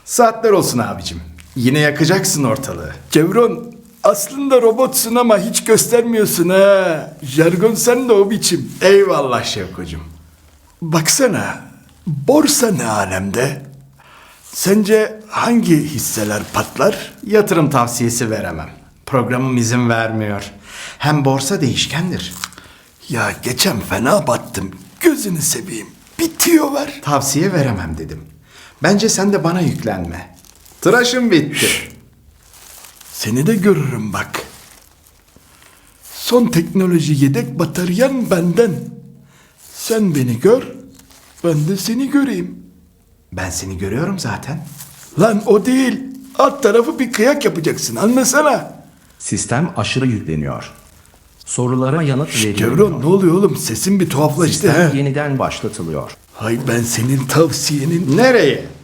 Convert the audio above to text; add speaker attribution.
Speaker 1: Saatler olsun abicim. Yine yakacaksın ortalığı.
Speaker 2: Chevron, aslında robotsun ama hiç göstermiyorsun ha. Jargon sen de o biçim.
Speaker 1: Eyvallah Şevkocuğum.
Speaker 2: Baksana, borsa ne alemde? Sence hangi hisseler patlar?
Speaker 1: Yatırım tavsiyesi veremem. Programım izin vermiyor. Hem borsa değişkendir.
Speaker 2: Ya geçen fena battım. Gözünü seveyim. Bitiyor ver.
Speaker 1: Tavsiye veremem dedim. Bence sen de bana yüklenme. Tıraşım bitti.
Speaker 2: Seni de görürüm bak. Son teknoloji yedek bataryan benden. Sen beni gör, ben de seni göreyim.
Speaker 1: Ben seni görüyorum zaten.
Speaker 2: Lan o değil. Alt tarafı bir kıyak yapacaksın. Anlasana.
Speaker 3: Sistem aşırı yükleniyor. Sorulara yanıt verilmiyor.
Speaker 2: Chevron ne oluyor oğlum? Sesin bir tuhaflaştı
Speaker 3: Sistem
Speaker 2: ha.
Speaker 3: yeniden başlatılıyor.
Speaker 2: Hay ben senin tavsiyenin...
Speaker 1: Nereye?